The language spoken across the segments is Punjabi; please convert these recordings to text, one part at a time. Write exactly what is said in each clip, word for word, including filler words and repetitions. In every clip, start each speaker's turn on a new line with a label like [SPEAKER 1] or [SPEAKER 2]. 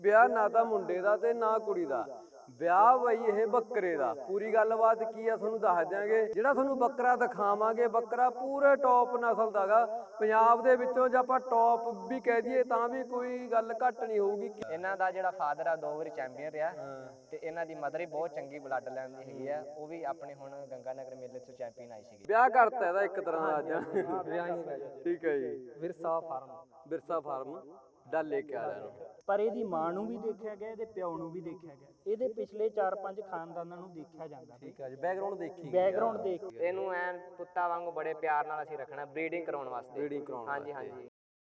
[SPEAKER 1] ਵਿਆਹ ਨਾ ਤਾਂ ਮੁੰਡੇ ਦਾ ਤੇ ਨਾ ਕੁੜੀ ਦਾ, ਵਿਆਹ ਬਈ ਇਹ ਬੱਕਰੇ ਦਾ। ਪੂਰੀ ਗੱਲਬਾਤ ਕੀ ਆ ਤੁਹਾਨੂੰ ਦੱਸ ਦਿਆਂਗੇ। ਜਿਹੜਾ ਤੁਹਾਨੂੰ ਬੱਕਰਾ ਦਿਖਾਵਾਂਗੇ, ਬੱਕਰਾ ਪੂਰੇ ਟੌਪ ਨਸਲ ਦਾਗਾ। ਪੰਜਾਬ ਦੇ ਵਿੱਚੋਂ ਜੇ ਆਪਾਂ ਟੌਪ ਵੀ ਕਹਿ ਦਈਏ ਤਾਂ ਵੀ ਕੋਈ ਗੱਲ ਘੱਟ ਨਹੀਂ ਹੋਊਗੀ।
[SPEAKER 2] ਇਹਨਾਂ ਦਾ ਜਿਹੜਾ ਫਾਦਰ ਆ ਦੋ ਵਾਰੀ ਚੈਂਪੀਅਨ ਰਿਹਾ ਤੇ ਇਹਨਾਂ ਦੀ ਮਦਰ ਹੀ ਬਹੁਤ ਚੰਗੀ ਬਲੱਡ ਲਾਈਨ ਦੀ ਹੈਗੀ ਆ। ਉਹ ਵੀ ਆਪਣੇ ਹੁਣ ਗੰਗਾ ਨਗਰ ਮੇਲੇ ਤੋਂ ਚੈਂਪੀਅਨ ਆਈ ਸੀਗੀ।
[SPEAKER 1] ਵਿਆਹ ਕਰਤਾ ਇਹਦਾ ਇੱਕ ਤਰ੍ਹਾਂ ਦਾ ਅੱਜ। ਠੀਕ ਹੈ ਜੀ।
[SPEAKER 3] ਵਿਰਸਾ ਫਾਰਮ
[SPEAKER 1] ਵਿਰਸਾ ਫਾਰਮ ਡੱਲ ਲੈ ਕੇ ਆ ਰਿਹਾ ਨੂੰ।
[SPEAKER 3] ਪਰ ਇਹਦੀ ਮਾਂ ਨੂੰ ਵੀ ਦੇਖਿਆ ਗਿਆ, ਇਹਦੇ ਪਿਓ ਨੂੰ ਵੀ ਦੇਖਿਆ ਗਿਆ, ਇਹਦੇ ਪਿਛਲੇ ਚਾਰ ਪੰਜ ਖਾਨਦਾਨਾਂ ਨੂੰ ਦੇਖਿਆ ਜਾਂਦਾ।
[SPEAKER 1] ਠੀਕ ਹੈ ਜੀ। ਬੈਕਗ੍ਰਾਉਂਡ ਦੇਖੀ
[SPEAKER 3] ਬੈਕਗ੍ਰਾਉਂਡ ਦੇਖ ਕੇ
[SPEAKER 2] ਇਹਨੂੰ ਐਨ ਪੁੱਤਾਂ ਵਾਂਗੂ ਬੜੇ ਪਿਆਰ ਨਾਲ ਅਸੀਂ ਰੱਖਣਾ, ਬਰੀਡਿੰਗ ਕਰਾਉਣ ਵਾਸਤੇ।
[SPEAKER 1] ਬਰੀਡਿੰਗ ਕਰਾਉਣ
[SPEAKER 2] ਹਾਂਜੀ ਹਾਂਜੀ।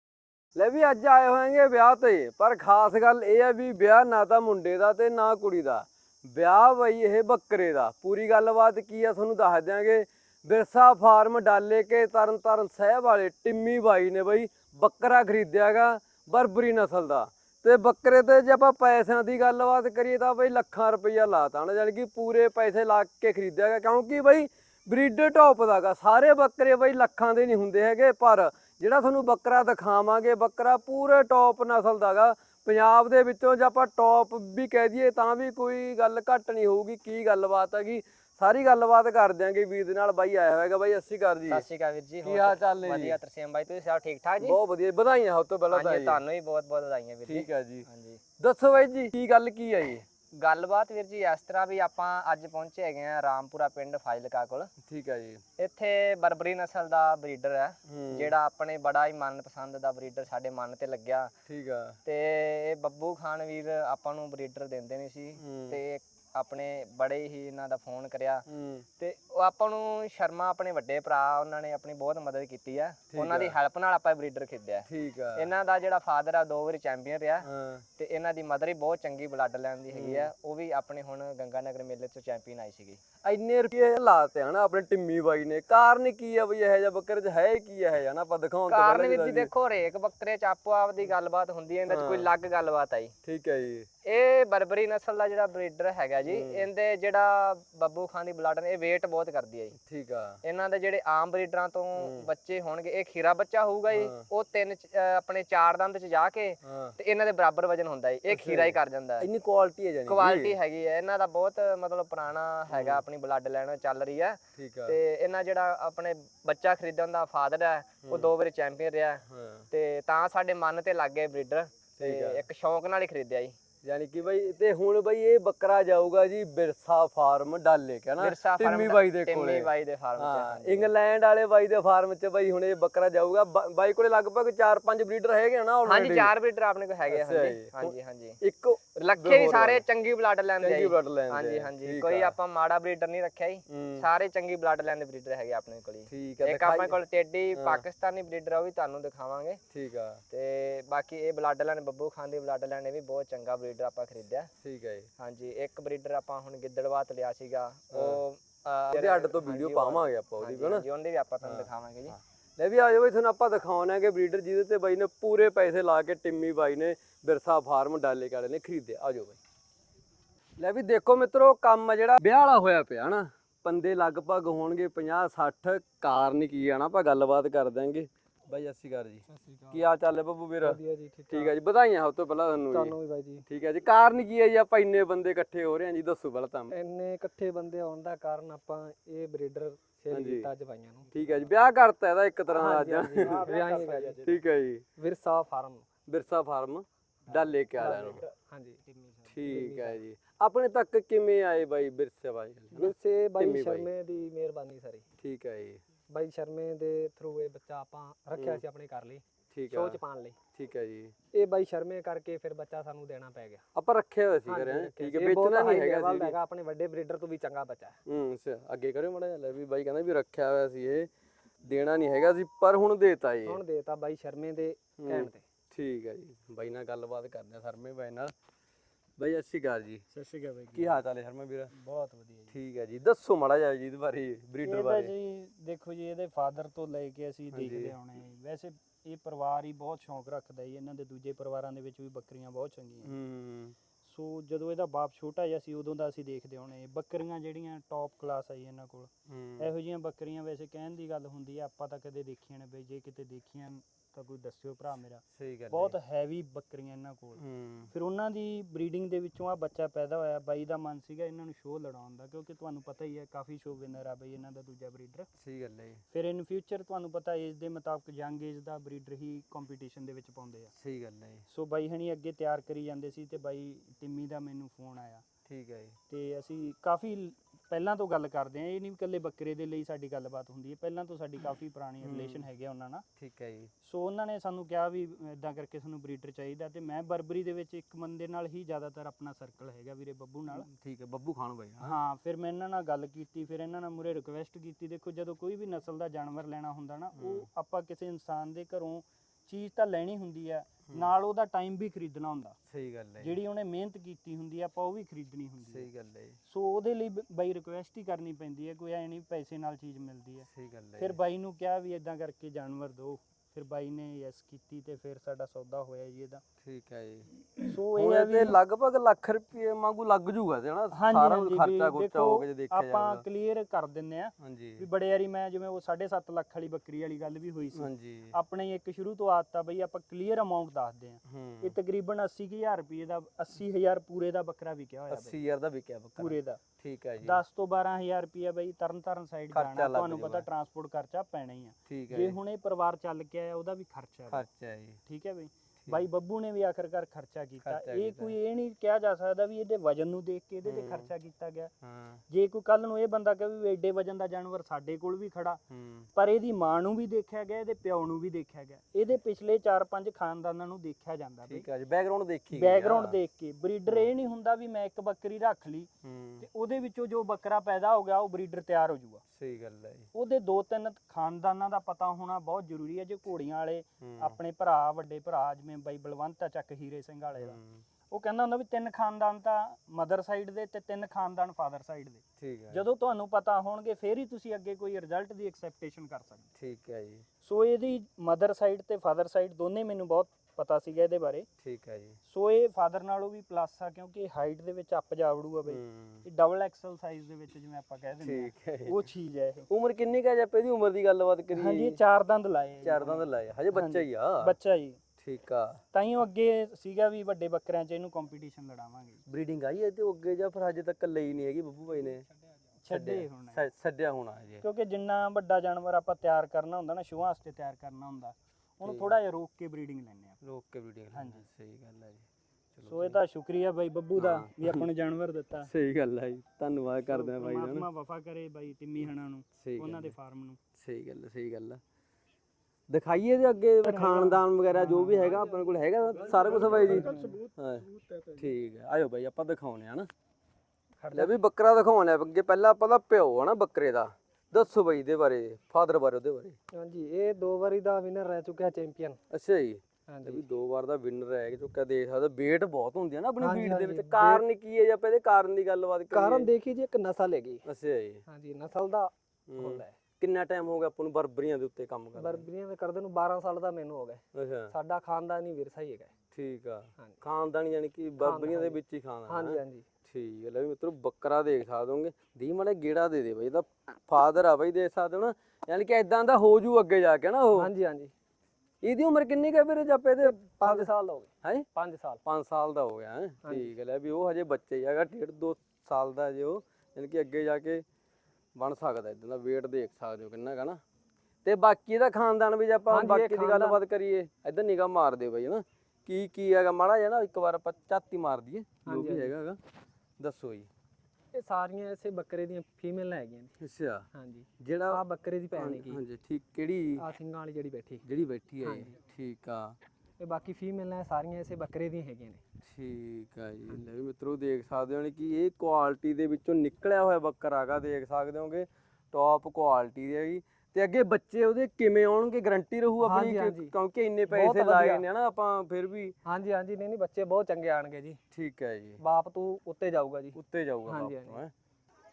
[SPEAKER 1] ਲੈ ਵੀ ਅੱਜ ਆਏ ਹੋਏਗੇ ਵਿਆਹ ਤੇ, ਪਰ ਖਾਸ ਗੱਲ ਇਹ ਹੈ ਵੀ ਵਿਆਹ ਨਾ ਤਾਂ ਮੁੰਡੇ ਦਾ ਤੇ ਨਾ ਕੁੜੀ ਦਾ, ਵਿਆਹ ਬਈ ਇਹ ਬੱਕਰੇ ਦਾ। ਪੂਰੀ ਗੱਲਬਾਤ ਕੀ ਆ ਤੁਹਾਨੂੰ ਦੱਸ ਦਿਆਂਗੇ। ਵਿਰਸਾ ਫਾਰਮ ਡਾਲੇ ਕੇ ਤਰਨ ਤਾਰਨ ਸਾਹਿਬ ਵਾਲੇ ਟਿੰਮੀ ਬਾਈ ਨੇ ਬਈ ਬੱਕਰਾ ਖਰੀਦਿਆਗਾ ਬਰਬਰੀ ਨਸਲ ਦਾ। ਤੇ ਬੱਕਰੇ ਤੇ ਜੇ ਆਪਾਂ ਪੈਸਿਆਂ ਦੀ ਗੱਲਬਾਤ ਕਰੀਏ ਤਾਂ ਬਈ ਲੱਖਾਂ ਰੁਪਈਆ ਲਾਤਾ ਨਾ, ਜਾਣੀ ਕਿ ਪੂਰੇ ਪੈਸੇ ਲਾ ਕੇ ਖਰੀਦਿਆਗਾ। ਕਿਉਂਕਿ ਬਈ ਬਰੀਡ ਟੌਪ ਦਾਗਾ। ਸਾਰੇ ਬੱਕਰੇ ਬਈ ਲੱਖਾਂ ਦੇ ਨਹੀਂ ਹੁੰਦੇ ਹੈਗੇ, ਪਰ ਜਿਹੜਾ ਤੁਹਾਨੂੰ ਬੱਕਰਾ ਦਿਖਾਵਾਂਗੇ, ਬੱਕਰਾ ਪੂਰੇ ਟੌਪ ਨਸਲ ਦਾਗਾ। ਪੰਜਾਬ ਦੇ ਵਿੱਚੋਂ ਜੇ ਆਪਾਂ ਟੌਪ ਵੀ ਕਹਿ ਦਈਏ ਤਾਂ ਵੀ ਕੋਈ ਗੱਲ ਘੱਟ ਨਹੀਂ ਹੋਊਗੀ। ਕੀ ਗੱਲਬਾਤ ਹੈਗੀ ਸਾਰੀ ਗੱਲਬਾਤ ਕਰ ਦਿਆਂਗੇ ਵੀਰ ਦੇ ਨਾਲ। ਬਾਈ ਆਇਆ ਹੋਏਗਾ। ਬਾਈ ਸਤਿ ਸ਼੍ਰੀ ਅਕਾਲ ਜੀ।
[SPEAKER 2] ਸਤਿ ਸ਼੍ਰੀ ਅਕਾਲ ਵੀਰ ਜੀ।
[SPEAKER 1] ਕੀ ਹਾਲ ਚਾਲ ਨੇ?
[SPEAKER 2] ਵਧੀਆ ਤਰਸੇਮ ਬਾਈ, ਤੁਸੀਂ ਸਭ ਠੀਕ ਠਾਕ ਜੀ?
[SPEAKER 1] ਬਹੁਤ ਵਧੀਆ, ਵਧਾਈਆਂ ਹੋ ਤੋਂ ਪਹਿਲਾਂ ਤਾਂ
[SPEAKER 2] ਹਾਂਜੀ, ਤੁਹਾਨੂੰ ਵੀ ਬਹੁਤ ਬਹੁਤ ਵਧਾਈਆਂ ਵੀਰ ਜੀ।
[SPEAKER 1] ਠੀਕ ਹੈ ਜੀ।
[SPEAKER 2] ਹਾਂਜੀ
[SPEAKER 1] ਦੱਸੋ ਬਾਈ ਜੀ ਕੀ ਗੱਲ ਕੀ ਹੈ ਜੀ?
[SPEAKER 2] ਗੱਲਬਾਤ ਵੀਰ ਜੀ ਇਸ ਤਰ੍ਹਾਂ ਵੀ ਆਪਾਂ ਅੱਜ ਪਹੁੰਚੇ ਹੈਗੇ ਆ ਰਾਮਪੁਰਾ ਪਿੰਡ ਫਾਜ਼ਿਲਕਾ ਕੋਲ।
[SPEAKER 1] ਠੀਕ ਹੈ ਜੀ।
[SPEAKER 2] ਇੱਥੇ ਬਰਬਰੀ ਨਸਲ ਦਾ ਬਰੀਡਰ ਹੈ ਜਿਹੜਾ ਆਪਣੇ ਬੜਾ ਹੀ ਮਨਪਸੰਦ ਦਾ ਬਰੀਡਰ ਸਾਡੇ ਮਨ ਤੇ ਲੱਗਿਆ।
[SPEAKER 1] ਠੀਕ ਆ।
[SPEAKER 2] ਤੇ ਇਹ ਬੱਬੂ ਖਾਨ ਵੀਰ ਆਪਾਂ ਨੂੰ ਬਰੀਡਰ ਦਿੰਦੇ ਨਹੀਂ ਸੀ ਤੇ ਆਪਣੇ ਬੜੇ ਹੀ ਇਹਨਾਂ ਦਾ ਫੋਨ ਕਰਿਆ ਤੇ ਉਹ ਆਪਾਂ ਨੂੰ ਸ਼ਰਮਾ ਆਪਣੇ ਵੱਡੇ ਭਰਾ, ਉਹਨਾਂ ਨੇ ਆਪਣੀ ਬਹੁਤ ਮਦਦ ਕੀਤੀ ਆ। ਉਹਨਾਂ ਦੀ ਹੈਲਪ ਨਾਲ ਆਪਾਂ ਬਰੀਡਰ ਖਰੀਦਿਆ।
[SPEAKER 1] ਠੀਕ ਆ।
[SPEAKER 2] ਇਹਨਾਂ ਦਾ ਜਿਹੜਾ ਫਾਦਰ ਆ ਦੋ ਵਾਰੀ ਚੈਂਪੀਅਨ ਰਿਹਾ ਤੇ ਇਹਨਾਂ ਦੀ ਮਦਰ ਹੀ ਬਹੁਤ ਚੰਗੀ ਬਲੱਡ ਲਾਈਨ ਦੀ ਹੈਗੀ ਆ। ਉਹ ਵੀ ਆਪਣੇ ਹੁਣ ਗੰਗਾ ਨਗਰ ਮੇਲੇ ਤੋਂ ਚੈਂਪੀਅਨ ਆਈ ਸੀਗੀ।
[SPEAKER 1] ਇੰਨੇ ਰੁਪਏ ਲਾਤੇ ਹਨਾ ਆਪਣੇ ਟਿੰਮੀ ਬਾਈ ਨੇ। ਕਾਰਨ ਕੀ ਆ ਬਈ ਇਹੋ ਜਿਹਾ ਬੱਕਰੇ 'ਚ ਹੈ ਕੀ ਇਹੋ ਜਿਹਾ ਨਾ ਆਪਾਂ ਦਿਖਾਉਣ ਤੋਂ
[SPEAKER 2] ਕਾਰਨ ਵੀਰ ਜੀ ਦੇਖੋ, ਹਰੇਕ ਬੱਕਰੇ 'ਚ ਆਪੋ ਆਪ ਦੀ ਗੱਲਬਾਤ ਹੁੰਦੀ ਹੈ, ਇਹਦੇ 'ਚ ਕੋਈ ਅਲੱਗ ਗੱਲਬਾਤ ਆਈ।
[SPEAKER 1] ਠੀਕ ਹੈ ਜੀ।
[SPEAKER 2] ਇਹ ਬਰਬਰੀ ਨਸਲ ਦਾ ਜਿਹੜਾ ਬਰੀਡਰ ਹੈਗਾ ਜੀ, ਇਹਦੇ ਜਿਹੜਾ ਬੱਬੂ ਖਾਨ ਦੀ ਬਲੱਡ ਨੇ ਇਹ ਵੇਟ ਬਹੁਤ ਕਰਦੀ ਹੈ ਜੀ।
[SPEAKER 1] ਠੀਕ ਆ।
[SPEAKER 2] ਇਹਨਾਂ ਦੇ ਜਿਹੜੇ ਆਮ ਬਰੀਡਰਾਂ ਤੋਂ ਬੱਚੇ ਹੋਣਗੇ, ਇਹ ਖੀਰਾ ਬੱਚਾ ਹੋਊਗਾ ਜੀ, ਉਹ ਤਿੰਨ ਆਪਣੇ ਚਾਰ ਦੰਦ 'ਚ ਜਾ ਕੇ ਤੇ ਇਹਨਾਂ ਦੇ ਬਰਾਬਰ ਵਜਨ ਹੁੰਦਾ ਜੀ। ਇਹ ਖੀਰਾ ਹੀ ਕਰ ਜਾਂਦਾ।
[SPEAKER 1] ਇੰਨੀ ਕੁਆਲਿਟੀ ਹੈ ਜਾਨੀ
[SPEAKER 2] ਕੁਆਲਿਟੀ ਹੈਗੀ ਹੈ ਇਹਨਾਂ ਦਾ, ਬਹੁਤ ਮਤਲਬ ਪੁਰਾਣਾ ਹੈਗਾ, ਆਪਣੀ ਬਲੱਡ ਲਾਈਨ ਚੱਲ ਰਹੀ ਹੈ।
[SPEAKER 1] ਠੀਕ ਆ।
[SPEAKER 2] ਤੇ ਇਹਨਾਂ ਜਿਹੜਾ ਆਪਣੇ ਬੱਚਾ ਖਰੀਦਣ ਦਾ ਫਾਦਰ ਹੈ ਉਹ ਦੋ ਵਾਰੀ ਚੈਂਪੀਅਨ ਰਿਹਾ ਤੇ ਤਾਂ ਸਾਡੇ ਮਨ ਤੇ ਲੱਗ ਗਏ ਬਰੀਡਰ ਤੇ ਇੱਕ ਸ਼ੌਂਕ ਨਾਲ ਹੀ ਖਰੀਦਿਆ ਜੀ।
[SPEAKER 1] ਯਾਨੀ ਕਿ ਬਈ ਤੇ ਹੁਣ ਬਈ ਇਹ ਬੱਕਰਾ ਜਾਊਗਾ ਜੀ ਵਿਰਸਾ ਫਾਰਮ ਡਾਲੇ ਕੇ ਨਾ, ਟਿੰਮੀ ਬਾਈ ਦੇ ਕੋਲੇ।
[SPEAKER 2] ਟਿੰਮੀ ਬਾਈ ਦੇ ਫਾਰਮ 'ਚ।
[SPEAKER 1] ਹਾਂ, ਇੰਗਲੈਂਡ ਵਾਲੇ ਬਾਈ ਦੇ ਫਾਰਮ 'ਚ ਬਈ ਹੁਣ ਇਹ ਬੱਕਰਾ ਜਾਊਗਾ। ਬਾਈ ਕੋਲੇ ਲਗਭਗ ਚਾਰ ਪੰਜ ਬਰੀਡਰ ਹੈਗੇ ਨਾ ਆਲਰੇਡੀ।
[SPEAKER 2] ਹਾਂਜੀ, ਚਾਰ ਬਰੀਡਰ ਆਪਣੇ ਕੋਲ ਹੈਗੇ। ਹਾਂਜੀ ਹਾਂਜੀ ਹਾਂਜੀ।
[SPEAKER 1] ਇੱਕ
[SPEAKER 2] ਲੱਖੇ ਵੀ ਸਾਰੇ ਚੰਗੀ ਬਲੱਡ ਲਾਈਨ ਦੇ।
[SPEAKER 1] ਚੰਗੀ ਬਲੱਡ ਲਾਈਨ ਦੇ।
[SPEAKER 2] ਹਾਂਜੀ ਹਾਂਜੀ, ਕੋਈ ਆਪਾਂ ਮਾੜਾ ਬਰੀਡਰ ਨਹੀਂ ਰੱਖਿਆ ਜੀ, ਸਾਰੇ ਚੰਗੀ ਬਲੱਡ ਲਾਈਨ ਦੇ ਬਰੀਡਰ ਹੈਗੇ ਆਪਣੇ ਕੋਲ।
[SPEAKER 1] ਠੀਕ ਹੈ।
[SPEAKER 2] ਇੱਕ ਆਪਣੇ ਕੋਲ ਟੇਡੀ ਪਾਕਿਸਤਾਨੀ ਬਰੀਡਰ ਆ, ਉਹ ਵੀ ਤੁਹਾਨੂੰ ਦਿਖਾਵਾਂਗੇ।
[SPEAKER 1] ਠੀਕ ਆ।
[SPEAKER 2] ਤੇ ਬਾਕੀ ਇਹ ਬਲੱਡ ਲਾਈਨ ਬੱਬੂ ਖਾਨ ਦੀ ਬਲੱਡ ਲਾਈਨ, ਇਹ ਵੀ ਬਹੁਤ ਚੰਗਾ ਬਰੀਡਰ ਆਪਾਂ ਖਰੀਦਿਆ।
[SPEAKER 1] ਠੀਕ ਹੈ ਜੀ।
[SPEAKER 2] ਹਾਂਜੀ, ਇੱਕ ਬਰੀਡਰ ਆਪਾਂ ਹੁਣ ਗਿੱਦੜਵਾਤ ਲਿਆ ਸੀਗਾ, ਉਹ
[SPEAKER 1] ਉਹਦੇ ਅੱਡ ਤੋਂ ਵੀਡੀਓ ਪਾਵਾਂਗੇ ਆਪਾਂ ਉਹਦੀ ਵੀ ਹਨਾ।
[SPEAKER 2] ਜੀ, ਉਹਦੇ ਵੀ ਆਪਾਂ ਤੁਹਾਨੂੰ ਦਿਖਾਵਾਂਗੇ ਜੀ।
[SPEAKER 1] ਲੈ ਵੀ ਆ ਜਾਓ ਬਈ, ਤੁਹਾਨੂੰ ਆਪਾਂ ਦਿਖਾਉਣਾਗੇ ਬਰੀਡਰ ਜਿਹਦੇ ਤੇ ਬਾਈ ਨੇ ਪੂਰੇ ਪੈਸੇ ਲਾ ਕੇ ਟਿੰਮੀ ਬਾਈ ਨੇ ਵਿਰਸਾ ਫਾਰਮ ਡਾਲੇ ਵਾਲੇ ਨੇ ਖਰੀਦਿਆ। ਆ ਜਾਓ ਬਾਈ। ਲੈ ਵੀ ਦੇਖੋ ਮਿੱਤਰੋ, ਕੰਮ ਜਿਹੜਾ ਵਿਆਹ ਵਾਲਾ ਹੋਇਆ ਪਿਆ ਹਨਾ। ਬੰਦੇ ਲਗਭਗ ਹੋਣਗੇ ਪੰਜਾਹ ਸੱਠ। ਕਾਰਨ ਕੀ ਆ ਨਾ ਆਪਾਂ ਗੱਲਬਾਤ ਕਰ ਦਾਂਗੇ। ਬਾਈ ਸਤਿ ਸ਼੍ਰੀ ਅਕਾਲ ਜੀ। ਕੀ ਹਾਲ ਚਾਲ ਹੈ ਬੱਬੂ ਵੀਰ?
[SPEAKER 3] ਵਧੀਆ ਜੀ, ਠੀਕ
[SPEAKER 1] ਠੀਕ ਹੈ ਜੀ। ਵਧਾਈਆਂ ਸਭ ਤੋਂ ਪਹਿਲਾਂ ਤੁਹਾਨੂੰ
[SPEAKER 3] ਤੁਹਾਨੂੰ ਵੀ ਬਾਈ ਜੀ।
[SPEAKER 1] ਠੀਕ ਹੈ ਜੀ। ਕਾਰਨ ਕੀ ਹੈ ਜੀ ਆਪਾਂ ਇੰਨੇ ਬੰਦੇ ਇਕੱਠੇ ਹੋ ਰਹੇ ਹਾਂ ਜੀ, ਦੱਸੋ ਪਹਿਲਾਂ ਤਾਂ।
[SPEAKER 3] ਇੰਨੇ ਇਕੱਠੇ ਬੰਦੇ ਆਉਣ ਦਾ ਕਾਰਨ ਆਪਾਂ ਇਹ ਬਰੀਡਰ ਸੇਲ ਕੀਤਾ ਅੱਜ ਬਾਈਆਂ ਨੂੰ।
[SPEAKER 1] ਠੀਕ ਹੈ ਜੀ। ਵਿਆਹ ਕਰਤਾ ਇਹਦਾ ਇੱਕ ਤਰ੍ਹਾਂ ਦਾ ਅੱਜ।
[SPEAKER 3] ਵਿਆਹ ਹੀ ਹੈਗਾ ਜੀ।
[SPEAKER 1] ਠੀਕ ਹੈ ਜੀ।
[SPEAKER 3] ਵਿਰਸਾ ਫਾਰਮ
[SPEAKER 1] ਵਿਰਸਾ ਫਾਰਮ ਡਾਲੇ ਕੇ ਵਾਲਿਆਂ ਨੂੰ।
[SPEAKER 3] ਹਾਂਜੀ
[SPEAKER 1] ਠੀਕ ਹੈ ਜੀ। ਆਪਣੇ ਤੱਕ ਕਿਵੇਂ ਆਏ ਬਾਈ ਵਿਰਸੇ ਬਾਈ?
[SPEAKER 3] ਵਿਰਸੇ ਬਾਈ ਸ਼ਰਮੇ ਦੀ ਮਿਹਰਬਾਨੀ ਸਾਰੀ।
[SPEAKER 1] ਠੀਕ ਹੈ ਜੀ।
[SPEAKER 3] ਬਾਈ ਸ਼ਰਮੇ ਦੇ ਥਰੂ ਇਹ ਬੱਚਾ ਆਪਾਂ ਰੱਖਿਆ ਸੀ ਆਪਣੇ ਘਰ ਲਈ,
[SPEAKER 1] ਠੀਕ ਹੈ,
[SPEAKER 3] ਸ਼ੋਅ ਚ ਪਾਉਣ ਲਈ।
[SPEAKER 1] ਠੀਕ ਹੈ ਜੀ।
[SPEAKER 3] ਇਹ ਬਾਈ ਸ਼ਰਮੇ ਕਰਕੇ ਫਿਰ ਬੱਚਾ ਸਾਨੂੰ ਦੇਣਾ ਪੈ ਗਿਆ।
[SPEAKER 1] ਆਪਾਂ ਰੱਖਿਆ ਹੋਇਆ ਸੀ ਘਰੇ। ਠੀਕ ਹੈ, ਵੇਚਣਾ ਨਹੀਂ ਹੈਗਾ ਸੀ।
[SPEAKER 3] ਹੈਗਾ ਆਪਣੇ ਵੱਡੇ ਬਰੀਡਰ ਤੋਂ ਵੀ ਚੰਗਾ ਬੱਚਾ।
[SPEAKER 1] ਹੂੰ, ਅੱਗੇ ਕਰਿਓ ਮਾੜਾ ਜਿਹਾ। ਲੈ ਵੀ ਬਾਈ ਕਹਿੰਦਾ ਵੀ ਰੱਖਿਆ ਹੋਇਆ ਸੀ, ਇਹ ਦੇਣਾ ਨਹੀਂ ਹੈਗਾ ਸੀ ਪਰ ਹੁਣ ਦੇਤਾ ਜੀ।
[SPEAKER 3] ਹੁਣ ਦੇਤਾ ਬਾਈ ਸ਼ਰਮੇ ਦੇ ਕਹਿਣ ਤੇ।
[SPEAKER 1] ਠੀਕ ਹੈ ਜੀ। ਬਾਈ ਨਾਲ ਗੱਲਬਾਤ ਕਰਦੇ ਆ ਸ਼ਰਮੇ ਬਾਈ ਨਾਲ। ਬਾਈ ਸਤਿ ਸ਼੍ਰੀ ਅਕਾਲ ਜੀ।
[SPEAKER 3] ਸਤਿ ਸ਼੍ਰੀ ਅਕਾਲ ਬਾਈ।
[SPEAKER 1] ਕੀ ਹਾਲ ਚਾਲ ਹੈ ਸ਼ਰਮਾ ਵੀਰ?
[SPEAKER 3] ਬਹੁਤ ਵਧੀਆ ਜੀ।
[SPEAKER 1] ਠੀਕ ਹੈ ਜੀ। ਦੱਸੋ ਮਾੜਾ ਜਿਹਾ ਜੀ ਇਹਦੇ ਬਾਰੇ, ਬਰੀਡਰ ਬਾਰੇ।
[SPEAKER 3] ਜੀ ਦੇਖੋ ਜੀ, ਇਹਦੇ ਫਾਦਰ ਤੋਂ ਲੈ ਕੇ ਅਸੀਂ ਦੇਖਦੇ ਆਉਣੇ। ਵੈਸੇ ਇਹ ਪਰਿਵਾਰ ਹੀ ਬਹੁਤ ਸ਼ੌਂਕ ਰੱਖਦਾ ਜੀ। ਇਹਨਾਂ ਦੇ ਦੂਜੇ ਪਰਿਵਾਰਾਂ ਦੇ ਵਿੱਚ ਵੀ ਬੱਕਰੀਆਂ ਬਹੁਤ ਚੰਗੀਆਂ।
[SPEAKER 1] ਹੂੰ।
[SPEAKER 3] ਸੋ ਜਦੋਂ ਇਹਦਾ ਬਾਪ ਛੋਟਾ ਜਿਹਾ ਸੀ ਉਦੋਂ ਦਾ ਅਸੀਂ ਦੇਖਦੇ ਆਉਣੇ ਬੱਕਰੀਆਂ ਜਿਹੜੀਆਂ ਟੌਪ ਕਲਾਸ ਆਈ ਇਹਨਾਂ ਕੋਲ। ਇਹੋ ਜਿਹੀਆਂ ਬੱਕਰੀਆਂ ਵੈਸੇ ਕਹਿਣ ਦੀ ਗੱਲ ਹੁੰਦੀ ਆ, ਆਪਾਂ ਤਾਂ ਕਦੇ ਦੇਖੀਆਂ ਨੇ ਬਈ, ਜੇ ਕਿਤੇ ਦੇਖੀਆਂ ਤਾਂ ਕੋਈ ਦੱਸਿਓ ਭਰਾ ਮੇਰਾ।
[SPEAKER 1] ਸਹੀ ਗੱਲ
[SPEAKER 3] ਬਹੁਤ ਹੈਵੀ ਬੱਕਰੀਆਂ ਇਹਨਾਂ ਕੋਲ।
[SPEAKER 1] ਹੂੰ
[SPEAKER 3] ਫਿਰ ਉਹਨਾਂ ਦੀ ਬਰੀਡਿੰਗ ਦੇ ਵਿੱਚੋਂ ਆ ਬੱਚਾ ਪੈਦਾ ਹੋਇਆ। ਬਾਈ ਦਾ ਮਨ ਸੀਗਾ ਇਹਨਾਂ ਨੂੰ ਸ਼ੋਅ ਲੜਾਉਣ ਦਾ, ਕਿਉਂਕਿ ਤੁਹਾਨੂੰ ਪਤਾ ਹੀ ਹੈ ਕਾਫੀ ਸ਼ੋਅ ਵਿਨਰ ਆ ਬਈ ਇਹਨਾਂ ਦਾ ਦੂਜਾ ਬਰੀਡਰ।
[SPEAKER 1] ਸਹੀ ਗੱਲ ਹੈ।
[SPEAKER 3] ਫਿਰ ਇਨ ਫਿਊਚਰ ਤੁਹਾਨੂੰ ਪਤਾ ਏਜ ਦੇ ਮੁਤਾਬਕ ਯੰਗ ਏਜ ਦਾ ਬਰੀਡਰ ਹੀ ਕੰਪੀਟੀਸ਼ਨ ਦੇ ਵਿੱਚ ਪਾਉਂਦੇ ਆ।
[SPEAKER 1] ਸਹੀ ਗੱਲ ਹੈ।
[SPEAKER 3] ਸੋ ਬਾਈ ਹਣੀ ਅੱਗੇ ਤਿਆਰ ਕਰੀ ਜਾਂਦੇ ਸੀ ਤੇ ਬਾਈ ਟਿੰਮੀ ਦਾ ਮੈਨੂੰ ਫੋਨ ਆਇਆ
[SPEAKER 1] ਠੀਕ ਹੈ ਜੀ।
[SPEAKER 3] ਤੇ ਅਸੀਂ ਕਾਫੀ ਪਹਿਲਾਂ ਤੋਂ ਗੱਲ ਕਰਦੇ ਆ, ਇਹ ਨਹੀਂ ਇਕੱਲੇ ਬੱਕਰੇ ਦੇ ਲਈ ਸਾਡੀ ਗੱਲਬਾਤ ਹੁੰਦੀ ਹੈ, ਪਹਿਲਾਂ ਤੋਂ ਸਾਡੀ ਕਾਫੀ ਪੁਰਾਣੀ ਰਿਲੇਸ਼ਨ ਹੈਗੇ ਆ ਉਹਨਾਂ ਨਾਲ।
[SPEAKER 1] ਠੀਕ ਹੈ ਜੀ।
[SPEAKER 3] ਸੋ ਉਹਨਾਂ ਨੇ ਸਾਨੂੰ ਕਿਹਾ ਵੀ ਇਦਾਂ ਕਰਕੇ ਸਾਨੂੰ ਬਰੀਡਰ ਚਾਹੀਦਾ, ਤੇ ਮੈਂ ਬਰਬਰੀ ਦੇ ਵਿੱਚ ਇੱਕ ਬੰਦੇ ਨਾਲ ਹੀ ਜ਼ਿਆਦਾਤਰ ਆਪਣਾ ਸਰਕਲ ਹੈਗਾ ਵੀਰੇ ਬੱਬੂ ਨਾਲ।
[SPEAKER 1] ਠੀਕ ਹੈ, ਬੱਬੂ ਖਾਨ ਬਾਈ।
[SPEAKER 3] ਹਾਂ ਫਿਰ ਮੈਂ ਇਹਨਾਂ ਨਾਲ ਗੱਲ ਕੀਤੀ, ਫਿਰ ਇਹਨਾਂ ਨਾਲ ਮੂਰੇ ਰਿਕਵੈਸਟ ਕੀਤੀ। ਦੇਖੋ ਜਦੋਂ ਕੋਈ ਵੀ ਨਸਲ ਦਾ ਜਾਨਵਰ ਲੈਣਾ ਹੁੰਦਾ ਨਾ, ਉਹ ਆਪਾਂ ਕਿਸੇ ਇਨਸਾਨ ਦੇ ਘਰੋਂ ਚੀਜ਼ ਤਾਂ ਲੈਣੀ ਹੁੰਦੀ ਆ, ਨਾਲ ਉਹਦਾ ਟਾਈਮ ਵੀ ਖਰੀਦਣਾ ਹੁੰਦਾ।
[SPEAKER 1] ਸਹੀ ਗੱਲ ਹੈ।
[SPEAKER 3] ਜਿਹੜੀ ਉਹਨੇ ਮਿਹਨਤ ਕੀਤੀ ਹੁੰਦੀ ਆ ਆਪਾਂ ਉਹ ਵੀ ਖਰੀਦਣੀ ਹੁੰਦੀ ਹੈ।
[SPEAKER 1] ਸਹੀ ਗੱਲ ਹੈ।
[SPEAKER 3] ਸੋ ਉਹਦੇ ਲਈ ਬ- ਬਾਈ ਰਿਕਵੈਸਟ ਹੀ ਕਰਨੀ ਪੈਂਦੀ ਹੈ, ਕੋਈ ਐ ਨਹੀਂ ਪੈਸੇ ਨਾਲ ਚੀਜ਼ ਮਿਲਦੀ ਹੈ।
[SPEAKER 1] ਸਹੀ ਗੱਲ ਹੈ।
[SPEAKER 3] ਫਿਰ ਬਾਈ ਨੂੰ ਕਿਹਾ ਵੀ ਇਦਾਂ ਕਰਕੇ ਜਾਨਵਰ ਦਿਓ, ਫਿਰ ਬਾਈ ਨੇ ਯੈਸ ਕੀਤੀ ਤੇ ਫਿਰ ਸਾਡਾ ਸੌਦਾ ਹੋਇਆ ਜੀ ਇਹਦਾ।
[SPEAKER 1] ਠੀਕ ਹੈ ਜੀ।
[SPEAKER 3] ਸੋ ਇਹ
[SPEAKER 1] ਇਹ
[SPEAKER 3] ਹੈ
[SPEAKER 1] ਤੇ
[SPEAKER 3] ਵੀ
[SPEAKER 1] ਲਗਭਗ ਲੱਖ ਰੁਪਏ ਵਾਂਗੂ ਲੱਗ ਜੂਗਾ ਤੇ ਹਨਾ
[SPEAKER 3] ਹਾਂਜੀ
[SPEAKER 1] ਸਾਰਾ
[SPEAKER 3] ਹਾਂਜੀ
[SPEAKER 1] ਕੁਝ
[SPEAKER 3] ਵੀ
[SPEAKER 1] ਖਰਚਾ ਖੁਰਚਾ ਹੋ
[SPEAKER 3] ਦੇਖੋ
[SPEAKER 1] ਕੇ ਜੇ ਦੇਖਿਆ
[SPEAKER 3] ਆਪਾਂ
[SPEAKER 1] ਜਾਵੇ।
[SPEAKER 3] ਕਲੀਅਰ ਕਰ ਦਿੰਨੇ ਆ
[SPEAKER 1] ਹਾਂਜੀ
[SPEAKER 3] ਵੀ ਬੜੇ ਵਾਰੀ ਮੈਂ ਜਿਵੇਂ ਉਹ ਸਾਢੇ ਸੱਤ ਲੱਖ ਵਾਲੀ ਬੱਕਰੀ ਵਾਲੀ ਗੱਲ ਵੀ ਹੋਈ ਸੀ।
[SPEAKER 1] ਹਾਂਜੀ।
[SPEAKER 3] ਆਪਣੇ ਹੀ ਇੱਕ ਸ਼ੁਰੂ ਤੋਂ ਆਦਤ ਆ ਬਈ ਆਪਾਂ ਕਲੀਅਰ ਅਮਾਉਂਟ ਦੱਸਦੇ ਆ।
[SPEAKER 1] ਹੂੰ
[SPEAKER 3] ਇਹ ਤਕਰੀਬਨ ਅੱਸੀ ਕੁ ਹਜ਼ਾਰ ਰੁਪਏ ਦਾ ਅੱਸੀ ਹਜ਼ਾਰ ਪੂਰੇ ਦਾ ਬੱਕਰਾ ਵਿਕਿਆ ਹੋਇਆ
[SPEAKER 1] ਅੱਸੀ
[SPEAKER 3] ਬਈ,
[SPEAKER 1] ਹਜ਼ਾਰ ਦਾ ਵਿਕਿਆ ਬੱਕਰਾ।
[SPEAKER 3] ਪੂਰੇ ਦਾ।
[SPEAKER 1] ਠੀਕ ਹੈ ਜੀ।
[SPEAKER 3] ਦਸ ਤੋਂ ਬਾਰਾਂ ਹਜ਼ਾਰ ਰੁਪਏ ਬਈ ਤਰਨ ਤਾਰਨ ਸਾਈਡ
[SPEAKER 1] ਖਰਚਾ
[SPEAKER 3] ਜਾਣਾ,
[SPEAKER 1] ਲੱਗ
[SPEAKER 3] ਤੁਹਾਨੂੰ ਪਤਾ
[SPEAKER 1] ਜਾਊਗਾ।
[SPEAKER 3] ਟਰਾਂਸਪੋਰਟ ਖਰਚਾ ਪੈਣਾ ਹੀ ਆ।
[SPEAKER 1] ਠੀਕ ਹੈ
[SPEAKER 3] ਜੇ
[SPEAKER 1] ਜੀ।
[SPEAKER 3] ਹੁਣ ਇਹ ਪਰਿਵਾਰ ਚੱਲ ਕੇ ਆਇਆ ਉਹਦਾ ਵੀ ਖਰਚਾ ਹੈ ਬਈ।
[SPEAKER 1] ਖਰਚਾ ਹੈ ਜੀ।
[SPEAKER 3] ਠੀਕ ਹੈ ਬਈ। ਬਾਈ ਬੱਬੂ ਨੇ ਵੀ ਆਖਰਕਾਰ ਖਰਚਾ ਕੀਤਾ।
[SPEAKER 1] ਖਰਚਾ
[SPEAKER 3] ਇਹ
[SPEAKER 1] ਕੀਤਾ।
[SPEAKER 3] ਕੋਈ ਇਹ ਨਹੀਂ ਕਿਹਾ ਜਾ ਸਕਦਾ ਵੀ ਇਹਦੇ ਵਜਨ ਨੂੰ ਦੇਖ ਕੇ ਇਹਦੇ ਤੇ
[SPEAKER 1] ਹੂੰ।
[SPEAKER 3] ਖਰਚਾ ਕੀਤਾ ਗਿਆ।
[SPEAKER 1] ਹਾਂ।
[SPEAKER 3] ਜੇ ਕੋਈ ਕੱਲ ਨੂੰ ਇਹ ਬੰਦਾ ਕਹੇ ਵੀ ਐਡੇ ਵਜਨ ਦਾ ਜਾਨਵਰ ਸਾਡੇ ਕੋਲ ਵੀ ਖੜਾ,
[SPEAKER 1] ਹੂੰ
[SPEAKER 3] ਪਰ ਇਹਦੀ ਮਾਂ ਨੂੰ ਵੀ ਦੇਖਿਆ ਗਿਆ, ਇਹਦੇ ਪਿਓ ਨੂੰ ਵੀ ਦੇਖਿਆ ਗਿਆ, ਇਹਦੇ ਪਿਛਲੇ ਚਾਰ ਪੰਜ ਖਾਨਦਾਨਾਂ ਨੂੰ ਦੇਖਿਆ ਜਾਂਦਾ ਬਈ।
[SPEAKER 1] ਠੀਕ ਹੈ ਜੀ। ਬੈਕਗ੍ਰਾਉਂਡ ਦੇਖੀ
[SPEAKER 3] ਬੈਕਗ੍ਰਾਉਂਡ ਦੇਖ ਕੇ ਬਰੀਡਰ ਇਹ ਨਹੀਂ ਹੁੰਦਾ ਵੀ ਮੈਂ ਇੱਕ ਬੱਕਰੀ ਰੱਖ ਲਈ
[SPEAKER 1] ਹੂੰ
[SPEAKER 3] ਤੇ ਉਹਦੇ ਵਿੱਚੋਂ ਜੋ ਬੱਕਰਾ ਪੈਦਾ ਹੋ ਗਿਆ ਉਹ ਬਰੀਡਰ ਤਿਆਰ ਹੋ ਜਾਊਗਾ।
[SPEAKER 1] ਸਹੀ ਗੱਲ ਹੈ ਜੀ।
[SPEAKER 3] ਉਹਦੇ ਦੋ ਤਿੰਨ ਖਾਨਦਾਨਾਂ ਦਾ ਪਤਾ ਹੋਣਾ ਬਹੁਤ ਜ਼ਰੂਰੀ ਹੈ। ਜੇ ਘੋੜੀਆਂ ਵਾਲੇ
[SPEAKER 1] ਹੂੰ।
[SPEAKER 3] ਆਪਣੇ ਭਰਾ ਵੱਡੇ ਭਰਾ ਜਿਵੇਂ ਬਾਈ ਬਲਵੰਤ ਆ ਚੱਕ ਹੀਰੇ ਸਿੰਘ ਵਾਲੇ ਦਾ,
[SPEAKER 1] ਹੂੰ।
[SPEAKER 3] ਉਹ ਕਹਿੰਦਾ ਹੁੰਦਾ ਵੀ ਤਿੰਨ ਖਾਨਦਾਨ ਤਾਂ ਮਦਰ ਸਾਈਡ ਦੇ ਤੇ ਤਿੰਨ ਖਾਨਦਾਨ ਫਾਦਰ ਸਾਈਡ ਦੇ।
[SPEAKER 1] ਠੀਕ ਹੈ।
[SPEAKER 3] ਜਦੋਂ ਤੁਹਾਨੂੰ ਪਤਾ ਹੋਣਗੇ ਫੇਰ ਹੀ ਤੁਸੀਂ ਅੱਗੇ ਕੋਈ ਰਿਜ਼ਲਟ ਦੀ ਐਕਸਪੈਕਟੇਸ਼ਨ ਕਰ ਸਕਦੇ।
[SPEAKER 1] ਠੀਕ ਹੈ ਜੀ।
[SPEAKER 3] ਸੋ ਇਹਦੀ ਮਦਰ ਸਾਈਡ ਤੇ ਫਾਦਰ ਸਾਈਡ ਦੋਨੇ ਮੈਨੂੰ ਬਹੁਤ ਪਤਾ ਸੀਗਾ ਇਹਦੇ ਬਾਰੇ।
[SPEAKER 1] ਠੀਕ ਹੈ ਜੀ।
[SPEAKER 3] ਸੋ ਇਹ ਫਾਦਰ ਨਾਲੋਂ ਵੀ ਪਲੱਸ ਆ, ਕਿਉਂਕਿ ਹਾਈਟ ਦੇ ਵਿੱਚ ਅੱਪ ਜਾਵੜੂਗਾ ਬਈ।
[SPEAKER 1] ਹੂੰ।
[SPEAKER 3] ਇਹ ਡਬਲ ਐਕਸਲ ਸਾਈਜ਼ ਦੇ ਵਿੱਚ ਜਿਵੇਂ ਆਪਾਂ ਕਹਿ ਦਿੰਦੇ
[SPEAKER 1] ਠੀਕ ਹੈ
[SPEAKER 3] ਆ,
[SPEAKER 1] ਜੀ।
[SPEAKER 3] ਉਹ ਚੀਜ਼ ਹੈ ਇਹ।
[SPEAKER 1] ਉਮਰ ਕਿੰਨੀ ਕਾ ਜੱਪੇ ਦੀ ਉਮਰ ਦੀ ਗੱਲਬਾਤ ਕਰੀਏ?
[SPEAKER 3] ਹਾਂਜੀ ਇਹ ਚਾਰ ਦੰਦ ਲਾਏ ਆ ਜੀ।
[SPEAKER 1] ਚਾਰ ਦੰਦ ਲਾਏ ਹਜੇ ਬੱਚਾ ਹੀ ਆ।
[SPEAKER 3] ਬੱਚਾ ਜੀ।
[SPEAKER 1] ਠੀਕ ਆ।
[SPEAKER 3] ਤਾਈਓ ਅੱਗੇ ਸੀਗਾ ਵੀ ਵੱਡੇ ਬੱਕਰਿਆਂ 'ਚ ਇਹਨੂੰ ਕੰਪੀਟੀਸ਼ਨ ਲੜਾਵਾਂਗੇ।
[SPEAKER 1] ਬਰੀਡਿੰਗ ਆਈ ਹੈ ਤੇ ਅੱਗੇ ਜਾਂ ਫਿਰ ਹਜੇ ਤੱਕ ਲਈ ਨਹੀਂ ਹੈਗੀ ਬੱਬੂ ਭਾਈ ਨੇ?
[SPEAKER 3] ਛੱਡੇ ਹੁਣ
[SPEAKER 1] ਛੱਡ- ਛੱਡਿਆ ਹੋਣਾ ਹਜੇ।
[SPEAKER 3] ਕਿਉਂਕਿ ਜਿੰਨਾ ਵੱਡਾ ਜਾਨਵਰ ਆਪਾਂ ਤਿਆਰ ਕਰਨਾ ਹੁੰਦਾ ਨਾ, ਸ਼ੋਅ ਵਾਸਤੇ ਤਿਆਰ ਕਰਨਾ ਹੁੰਦਾ, ਉਹਨੂੰ ਥੋੜਾ ਜਿਹਾ ਰੋਕ ਕੇ ਬਰੀਡਿੰਗ ਲੈਂਦੇ ਆ।
[SPEAKER 1] ਰੋਕ ਕੇ ਬਰੀਡਿੰਗ।
[SPEAKER 3] ਹਾਂਜੀ।
[SPEAKER 1] ਸਹੀ ਗੱਲ ਹੈ ਜੀ। ਚਲੋ
[SPEAKER 3] ਸੋ ਇਹ ਤਾਂ ਸ਼ੁਕਰੀਆ ਬਾਈ ਬੱਬੂ ਦਾ ਵੀ ਆਪਾਂ ਨੂੰ ਜਾਨਵਰ ਦਿੱਤਾ।
[SPEAKER 1] ਸਹੀ ਗੱਲ ਹੈ ਜੀ। ਧੰਨਵਾਦ ਕਰਦੇ ਆ ਬਾਈ ਦਾ ਨਾ।
[SPEAKER 3] ਪਰਮਾਤਮਾ ਵਫਾ ਕਰੇ ਬਾਈ ਟਿੰਮੀ ਹਣਾ ਨੂੰ,
[SPEAKER 1] ਸਹੀ
[SPEAKER 3] ਉਹਨਾਂ
[SPEAKER 1] ਗੱਲ
[SPEAKER 3] ਦੇ
[SPEAKER 1] ਹੈ।
[SPEAKER 3] ਫਾਰਮ ਨੂੰ।
[SPEAKER 1] ਸਹੀ ਗੱਲ ਹੈ। ਸਹੀ ਗੱਲ ਹੈ। ਦਿਖਾਈਏ ਇਹਦੇ ਅੱਗੇ ਖਾਨਦਾਨ ਵਗੈਰਾ ਜੋ ਵੀ ਹੈਗਾ ਆਪਣੇ ਕੋਲ ਹੈਗਾ ਸਾਰਾ ਕੁਝ ਬਾਈ ਜੀ? ਹਾਂ ਠੀਕ ਹੈ। ਆਇਓ ਬਾਈ ਆਪਾਂ ਦਿਖਾਉਣੇ ਆ ਨਾ। ਲੈ ਵੀ ਬੱਕਰਾ ਦਿਖਾਉਣੇ ਅੱਗੇ। ਪਹਿਲਾਂ ਆਪਾਂ ਦਾ ਪਿਓ ਆ ਨਾ ਬੱਕਰੇ ਦਾ, ਦੱਸੋ ਬਾਈ ਇਹਦੇ ਬਾਰੇ, ਫਾਦਰ ਬਾਰੇ, ਉਹਦੇ ਬਾਰੇ।
[SPEAKER 2] ਹਾਂਜੀ ਇਹ ਦੋ ਵਾਰੀ ਦਾ ਵਿਨਰ ਰਹਿ ਚੁੱਕਿਆ ਚੈਂਪੀਅਨ।
[SPEAKER 1] ਅੱਛਾ ਜੀ।
[SPEAKER 2] ਹਾਂਜੀ
[SPEAKER 1] ਵੀ ਦੋ ਵਾਰ ਦਾ ਵਿਨਰ ਰਹਿ ਚੁੱਕਾ। ਦੇਖ ਸਕਦਾ weight ਬਹੁਤ ਹੁੰਦੀ ਹੈ ਨਾ ਆਪਣੀ
[SPEAKER 2] ਹਾਂਜੀ,
[SPEAKER 1] ਬਰੀਡ ਦੇ ਵਿੱਚ।
[SPEAKER 2] ਹਾਂਜੀ।
[SPEAKER 1] ਕਾਰਨ ਕੀ ਹੈ ਜੇ ਆਪਾਂ ਇਹਦੇ ਕਾਰਨ ਦੀ ਗੱਲਬਾਤ ਕਰੀਏ?
[SPEAKER 2] ਕਾਰਨ ਦੇਖੀ ਜੀ, ਇੱਕ ਨਸਲ ਹੈਗੀ।
[SPEAKER 1] ਅੱਛਾ ਜੀ।
[SPEAKER 2] ਹਾਂਜੀ ਨਸਲ ਦਾ
[SPEAKER 1] ਹੂੰ।
[SPEAKER 2] ਹੁੰਦਾ ਹੈ।
[SPEAKER 1] ਕਿੰਨਾ ਟਾਈਮ ਹੋ ਗਿਆ ਆਪਾਂ ਨੂੰ ਬਰਬਰੀਆਂ ਦੇ ਉੱਤੇ ਕੰਮ ਕਰਦੇ?
[SPEAKER 2] ਬਰਬਰੀਆਂ ਦੇ ਕਰਦੇ ਨੂੰ ਬਾਰਾਂ ਸਾਲ ਦਾ ਮੈਨੂੰ ਹੋ ਗਿਆ।
[SPEAKER 1] ਅੱਛਾ
[SPEAKER 2] ਸਾਡਾ ਖਾਨਦਾਨੀ ਵਿਰਸਾ ਹੀ ਹੈਗਾ।
[SPEAKER 1] ਠੀਕ ਆ।
[SPEAKER 2] ਹਾਂਜੀ।
[SPEAKER 1] ਖਾਨਦਾਨੀ ਯਾਨੀ ਕਿ ਬਰਬਰੀਆਂ ਦੇ ਵਿੱਚ ਹੀ ਖਾਨਦਾਨ।
[SPEAKER 2] ਹਾਂਜੀ ਹਾਂਜੀ
[SPEAKER 1] ਠੀਕ ਹੈ। ਲੈ ਵੀ ਮਿੱਤਰੋ ਬੱਕਰਾ ਦੇਖ ਸਕਦੇ ਹੋਗੇ। ਦੀ ਮਾੜੇ ਗੇੜਾ ਦੇ ਦੇ ਬਾਈ, ਇਹਦਾ ਫਾਦਰ ਆ ਬਾਈ, ਦੇਖ ਸਕਦੇ ਹੋ ਨਾ। ਯਾਨੀ ਕਿ ਇਦਾਂ ਦਾ ਹੋ ਜੂ ਅੱਗੇ ਜਾ ਕੇ ਨਾ ਉਹ।
[SPEAKER 2] ਹਾਂਜੀ ਹਾਂਜੀ।
[SPEAKER 1] ਇਹਦੀ ਉਮਰ ਕਿੰਨੀ ਕੁ ਵੀਰੇ ਜਾਪੇ ਦੇ?
[SPEAKER 2] ਪੰਜ ਸਾਲ ਦਾ ਹੋ ਗਿਆ।
[SPEAKER 1] ਹੈ
[SPEAKER 2] ਪੰਜ ਸਾਲ।
[SPEAKER 1] ਪੰਜ ਸਾਲ ਦਾ ਹੋ ਗਿਆ ਹੈ। ਠੀਕ ਹੈ। ਲੈ ਵੀ ਉਹ ਹਜੇ ਬੱਚੇ ਹੀ ਹੈਗਾ, ਡੇਢ ਦੋ ਸਾਲ ਦਾ ਜੇ ਉਹ। ਯਾਨੀ ਕਿ ਅੱਗੇ ਜਾ ਕੇ ਬਣ ਸਕਦਾ ਇਦਾਂ ਦਾ। weight ਦੇਖ ਸਕਦੇ ਹੋ ਕਿੰਨਾ ਹੈਗਾ ਨਾ। ਤੇ ਬਾਕੀ ਇਹਦਾ ਖਾਨਦਾਨ ਵੀ ਜੇ ਆਪਾਂ
[SPEAKER 2] ਹਾਂਜੀ, ਇਹ
[SPEAKER 1] ਬਾਕੀ ਦੀ
[SPEAKER 2] ਖਾਨਦਾਨ-
[SPEAKER 1] ਗੱਲਬਾਤ ਕਰੀਏ, ਇੱਧਰ ਨਿਗਾਹ ਮਾਰ ਦਿਓ ਬਾਈ ਹਨਾ। ਕੀ ਕੀ ਹੈਗਾ ਮਾੜਾ ਜਿਹਾ ਨਾ ਇੱਕ ਵਾਰ ਆਪਾਂ ਝਾਤੀ ਮਾਰ ਦਈਏ ਜੋ
[SPEAKER 2] ਹਾਂਜੀ,
[SPEAKER 1] ਵੀ ਹੈਗਾ ਹੈਗਾ। ਦੱਸੋ ਜੀ।
[SPEAKER 2] ਇਹ ਸਾਰੀਆਂ ਇਸੇ ਬੱਕਰੇ ਦੀਆਂ ਫੀਮੇਲ ਹੈਗੀਆਂ ਨੇ।
[SPEAKER 1] ਅੱਛਾ।
[SPEAKER 2] ਹਾਂਜੀ
[SPEAKER 1] ਜਿਹੜਾ
[SPEAKER 2] ਆ ਬੱਕਰੇ ਦੀ ਭੈਣ ਹੈਗੀ।
[SPEAKER 1] ਹਾਂਜੀ ਠੀਕ। ਕਿਹੜੀ?
[SPEAKER 2] ਆ ਸਿੰਘਾਂ ਵਾਲੀ ਜਿਹੜੀ ਬੈਠੀ।
[SPEAKER 1] ਜਿਹੜੀ ਬੈਠੀ ਹੈ ਜੀ।
[SPEAKER 2] ਹਾਂਜੀ।
[SPEAKER 1] ਠੀਕ ਆ।
[SPEAKER 2] ਇਹ ਬਾਕੀ ਫੀਮੇਲ ਨੇ ਸਾਰੀਆਂ ਇਸੇ ਬੱਕਰੇ ਦੀਆਂ ਹੈਗੀਆਂ ਨੇ।
[SPEAKER 1] ਠੀਕ ਆ ਜੀ। ਲੈ ਵੀ ਮਿੱਤਰੋ ਦੇਖ ਸਕਦੇ ਹੋ ਕਿ ਇਹ ਕੁਆਲਿਟੀ ਦੇ ਵਿੱਚੋਂ ਨਿਕਲਿਆ ਹੋਇਆ ਬੱਕਰਾ ਹੈਗਾ। ਦੇਖ ਸਕਦੇ ਹੋਗੇ ਟੌਪ ਕੁਆਲਿਟੀ ਦੀ ਹੈਗੀ। ਤੇ ਅੱਗੇ ਬੱਚੇ ਉਹਦੇ ਕਿਵੇਂ ਆਉਣਗੇ? ਗਾਰੰਟੀ ਰਹੂ ਆਪਣੀ?
[SPEAKER 2] ਹਾਂਜੀ, ਹਾਂਜੀ।
[SPEAKER 1] ਕਿਉਂਕਿ ਇੰਨੇ
[SPEAKER 2] ਬਹੁਤ
[SPEAKER 1] ਪੈਸੇ ਲਾਏ
[SPEAKER 2] ਵਧੀਆ।
[SPEAKER 1] ਨੇ ਨਾ ਆਪਾਂ ਫਿਰ ਵੀ।
[SPEAKER 2] ਹਾਂਜੀ ਹਾਂਜੀ। ਨਹੀਂ ਨਹੀਂ ਬੱਚੇ ਬਹੁਤ ਚੰਗੇ ਆਣਗੇ ਜੀ।
[SPEAKER 1] ਠੀਕ ਹੈ ਜੀ।
[SPEAKER 2] ਬਾਪ ਤੂੰ ਉੱਤੇ ਜਾਊਗਾ ਜੀ।
[SPEAKER 1] ਉੱਤੇ ਜਾਊਗਾ
[SPEAKER 2] ਹਾਂਜੀ,
[SPEAKER 1] ਬਾਪ ਤੋਂ, ਹੈਂ।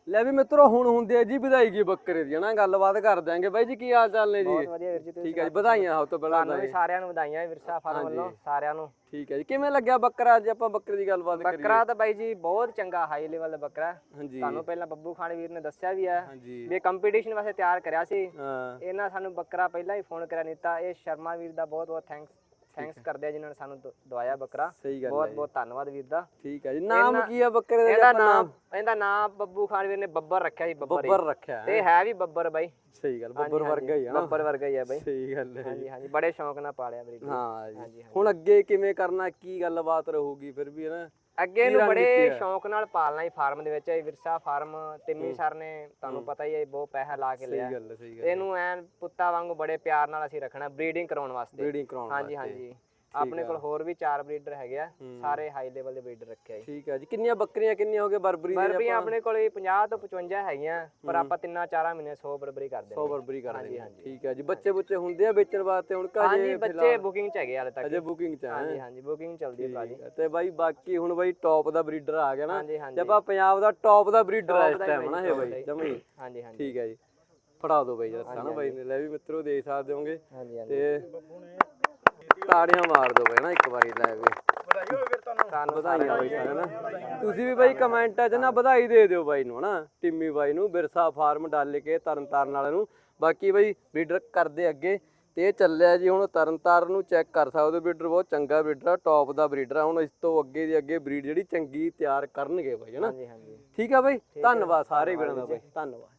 [SPEAKER 1] ਲੈ ਵੀ ਮਿੱਤਰੋ ਹੁਣ ਹੁੰਦੀ ਹੈ ਜੀ ਵਧਾਈ ਕੀ ਬੱਕਰੇ ਦੀ ਹਨਾ ਗੱਲਬਾਤ ਕਰ ਦਿਆਂਗੇ ਬਾਈ ਜੀ ਕੀ ਹਾਲ ਚਾਲ ਨੇ
[SPEAKER 2] ਬਹੁਤ
[SPEAKER 1] ਜੀ
[SPEAKER 2] ਵਧੀਆ ਵੀਰ ਜੀ ਤੁਸੀਂ
[SPEAKER 1] ਠੀਕ ਹੈ ਜੀ ਵਧਾਈਆਂ ਹੋ ਤੋਂ ਪਹਿਲਾਂ
[SPEAKER 2] ਤੁਹਾਨੂੰ ਵੀ ਸਾਰਿਆਂ ਨੂੰ ਵਧਾਈਆਂ ਵਿਰਸਾ ਫਾਰਮ ਵੱਲੋਂ ਸਾਰਿਆਂ ਨੂੰ
[SPEAKER 1] ਠੀਕ ਹੈ ਜੀ ਕਿਵੇਂ ਲੱਗਿਆ ਬੱਕਰਾ ਅੱਜ ਆਪਾਂ ਬੱਕਰੇ ਦੀ ਗੱਲਬਾਤ ਕਰੀਏ
[SPEAKER 2] ਬੱਕਰਾ ਤਾਂ ਬਾਈ ਜੀ ਬਹੁਤ ਚੰਗਾ ਹਾਈ ਲੈਵਲ ਦਾ ਬੱਕਰਾ
[SPEAKER 1] ਹਾਂਜੀ
[SPEAKER 2] ਤੁਹਾਨੂੰ ਪਹਿਲਾਂ ਬੱਬੂ ਖਾਨ ਵੀਰ ਨੇ ਦੱਸਿਆ ਵੀ ਹੈ
[SPEAKER 1] ਹਾਂਜੀ
[SPEAKER 2] ਵੀ ਕੰਪੀਟੀਸ਼ਨ ਵਾਸਤੇ ਤਿਆਰ ਕਰਿਆ ਸੀ
[SPEAKER 1] ਹਾਂ
[SPEAKER 2] ਇਹਨਾਂ ਸਾਨੂੰ ਬੱਕਰਾ ਪਹਿਲਾਂ ਹੀ ਫੋਨ ਕਰਿਆ ਨੀਤਾ ਇਹ ਸ਼ਰਮਾ ਵੀਰ ਦਾ ਬਹੁਤ ਬਹੁਤ ਥੈਂਕਸ ਥੈਂਕਸ ਕਰਦੇ ਆ ਜਿਨ੍ਹਾਂ ਨੇ ਸਾਨੂੰ ਦ- ਦਵਾਇਆ ਬੱਕਰਾ
[SPEAKER 1] ਸਹੀ ਗੱਲ
[SPEAKER 2] ਬਹੁਤ
[SPEAKER 1] ਹੈ
[SPEAKER 2] ਬਹੁਤ ਧੰਨਵਾਦ ਵੀਰ ਦਾ
[SPEAKER 1] ਠੀਕ ਹੈ ਜੀ ਨਾਮ
[SPEAKER 2] ਇਹਨਾਂ-
[SPEAKER 1] ਕੀ ਆ ਬੱਕਰੇ ਦਾ ਜੀ
[SPEAKER 2] ਇਹਦਾ
[SPEAKER 1] ਆਪਾਂ
[SPEAKER 2] ਨਾਮ ਇਹਦਾ ਨਾਮ ਬੱਬੂ ਖਾਨ ਵੀਰ ਨੇ ਬੱਬਰ ਰੱਖਿਆ ਸੀ ਬੱਬਰ ਹੀ।
[SPEAKER 1] ਬੱਬਰ ਰੱਖਿਆ
[SPEAKER 2] ਤੇ ਹੈ ਵੀ ਬੱਬਰ ਬਾਈ
[SPEAKER 1] ਸਹੀ ਗੱਲ
[SPEAKER 2] ਹਾਂਜੀ,
[SPEAKER 1] ਬੱਬਰ
[SPEAKER 2] ਹਾਂਜੀ,
[SPEAKER 1] ਵਰਗਾ ਹੀ ਹੈ ਨਾ
[SPEAKER 2] ਬੱਬਰ ਵਰਗਾ ਹੀ ਹੈ ਬਾਈ
[SPEAKER 1] ਸਹੀ ਗੱਲ ਹੈ
[SPEAKER 2] ਹਾਂਜੀ ਹਾਂਜੀ ਬੜੇ ਸ਼ੌਂਕ ਨਾਲ ਪਾਲਿਆ ਮੇਰੀ ਵੀਰ।
[SPEAKER 1] ਹਾਂ ਜੀ
[SPEAKER 2] ਹਾਂਜੀ,
[SPEAKER 1] ਹੁਣ ਅੱਗੇ ਕਿਵੇਂ ਕਰਨਾ ਕੀ ਗੱਲਬਾਤ ਰਹੂਗੀ ਫਿਰ ਵੀ ਹੈ ਨਾ
[SPEAKER 2] ਅੱਗੇ ਨੂੰ
[SPEAKER 1] ਕੀ
[SPEAKER 2] ਬੜੇ
[SPEAKER 1] ਰਣਨੀਤੀ ਹੈ?
[SPEAKER 2] ਸ਼ੌਂਕ ਨਾਲ ਪਾਲਣਾ ਹੀ ਫਾਰਮ ਦੇ ਵਿੱਚ ਇਹ ਵਿਰਸਾ ਫਾਰਮ ਤਿੰਮੀ ਸਰ ਨੇ ਤੁਹਾਨੂੰ ਪਤਾ ਹੀ ਹੈ ਬਹੁਤ ਪੈਸਾ ਲਾ ਕੇ ਲਿਆ
[SPEAKER 1] ਸਹੀ ਗੱਲ ਹੈ ਸਹੀ ਗੱਲ
[SPEAKER 2] ਇਹਨੂੰ ਐਨ ਪੁੱਤਾਂ ਵਾਂਗੂ ਬੜੇ ਪਿਆਰ ਨਾਲ ਅਸੀਂ ਰੱਖਣਾ ਬਰੀਡਿੰਗ ਕਰਾਉਣ ਵਾਸਤੇ
[SPEAKER 1] ਬਰੀਡਿੰਗ ਕਰਾਉਣ
[SPEAKER 2] ਹਾਂਜੀ
[SPEAKER 1] ਵਾਸਤੇ।
[SPEAKER 2] ਹਾਂਜੀ ਆਪਣੇ ਕੋਲ ਹੋਰ ਵੀ ਚਾਰ ਬਰੀਡਰ ਹੈਗੇ ਆ ਸਾਰੇ ਹਾਈ ਲੈਵਲ ਦੇ ਬਰੀਡਰ ਰੱਖੇ ਆ ਜੀ
[SPEAKER 1] ਠੀਕ ਹੈ ਜੀ ਕਿੰਨੀਆਂ ਬੱਕਰੀਆਂ ਕਿੰਨੀਆਂ ਹੋ ਗਏ ਬਰਬਰੀ ਦੀਆਂ
[SPEAKER 2] ਬਰਬਰੀਆਂ ਆਪਣੇ ਕੋਲ ਪੰਜਾਹ ਤੋਂ ਪਚਵੰਜਾ ਹੈਗੀਆਂ ਪਰ ਆਪਾਂ ਤਿੰਨਾਂ ਚਾਰਾਂ ਮਹੀਨੇ ਸੌ ਬਰਬਰੀ ਕਰਦੇ
[SPEAKER 1] ਸੌ
[SPEAKER 2] ਹਾਂ
[SPEAKER 1] ਬਰਬਰੀ ਕਰ
[SPEAKER 2] ਹਾਂਜੀ,
[SPEAKER 1] ਦਿੰਦੇ
[SPEAKER 2] ਹਾਂਜੀ।
[SPEAKER 1] ਠੀਕ ਹੈ ਜੀ ਬੱਚੇ ਬੁੱਚੇ ਹੁੰਦੇ ਆ ਵੇਚਣ ਵਾਸਤੇ ਹੁਣ ਕਾਜੇ
[SPEAKER 2] ਹਾਂਜੀ ਬੱਚੇ ਬੁਕਿੰਗ ਚ ਹੈਗੇ ਹਾਲੇ ਤੱਕ
[SPEAKER 1] ਅਜੇ ਬੁਕਿੰਗ ਚ
[SPEAKER 2] ਹਾਂਜੀ
[SPEAKER 1] ਹੈ
[SPEAKER 2] ਹਾਂਜੀ ਬੁਕਿੰਗ ਚੱਲਦੀ ਹੈ ਭਾਜੀ
[SPEAKER 1] ਤੇ ਬਾਈ ਬਾਕੀ ਹੁਣ ਬਾਈ ਟੌਪ ਦਾ ਬਰੀਡਰ ਆ ਗਿਆ ਨਾ
[SPEAKER 2] ਹਾਂਜੀ
[SPEAKER 1] ਤੇ
[SPEAKER 2] ਹਾਂਜੀ
[SPEAKER 1] ਆਪਾਂ ਪੰਜਾਬ ਦਾ ਟੌਪ ਦਾ ਬਰੀਡਰ ਹੈ ਇਸ
[SPEAKER 2] Top ਦਾ ਹੀ
[SPEAKER 1] ਟਾਈਮ ਨਾ
[SPEAKER 2] ਬਾਈ,
[SPEAKER 1] ਇਹ
[SPEAKER 2] top ਦਾ
[SPEAKER 1] ਬਾਈ
[SPEAKER 2] ਹੀ।
[SPEAKER 1] ਜਮੀ
[SPEAKER 2] ਹਾਂਜੀ ਹਾਂਜੀ
[SPEAKER 1] ਠੀਕ ਹੈ ਜੀ ਫੜਾ ਦਿਓ ਬਾਈ ਜਰਾ ਨਾ ਬਾਈ ਨੇ ਲੈ ਵੀ ਮਿੱਤਰੋ ਦੇਖ ਸਕਦੇ ਹੋਗੇ
[SPEAKER 2] ਹਾਂਜੀ ਹਾਂਜੀ
[SPEAKER 1] ਤੇ ਤਾੜੀਆਂ ਮਾਰ ਦਿਓ ਬਾਈ ਨਾ ਇੱਕ ਵਾਰੀ ਲੈ ਵੀ
[SPEAKER 2] ਤੁਹਾਨੂੰ
[SPEAKER 1] ਵਧਾਈਆਂ ਬਾਈ ਸਾਰਿਆਂ ਨੂੰ ਤੁਸੀਂ ਵੀ ਬਾਈ ਕਮੈਂਟਾਂ 'ਚ ਨਾ ਵਧਾਈ ਦੇ ਦਿਓ ਬਾਈ ਨੂੰ ਹਨਾ ਟਿੰਮੀ ਬਾਈ ਨੂੰ ਬਿਰਸਾ ਫਾਰਮ ਡਾਲ ਕੇ ਤਰਨ ਤਾਰਨ ਵਾਲੇ ਨੂੰ ਬਾਕੀ ਬਾਈ ਬਰੀਡਰ ਕਰਦੇ ਅੱਗੇ ਤੇ ਇਹ ਚੱਲਿਆ ਜੀ ਹੁਣ ਤਰਨ ਤਾਰਨ ਨੂੰ ਚੈੱਕ ਕਰ ਸਕਦੇ ਹੋ ਬਰੀਡਰ ਬਹੁਤ ਚੰਗਾ ਬਰੀਡਰ ਆ ਟੌਪ ਦਾ ਬਰੀਡਰ ਆ ਹੁਣ ਇਸ ਤੋਂ ਅੱਗੇ ਦੀ ਅੱਗੇ ਬਰੀਡ ਜਿਹੜੀ ਚੰਗੀ ਤਿਆਰ ਕਰਨਗੇ ਬਾਈ ਹਨਾ
[SPEAKER 2] ਹਾਂਜੀ ਹਾਂਜੀ
[SPEAKER 1] ਠੀਕ ਆ ਬਾਈ ਧੰਨਵਾਦ ਸਾਰੇ ਵੀਰਾਂ ਦਾ ਬਾਈ ਧੰਨਵਾਦ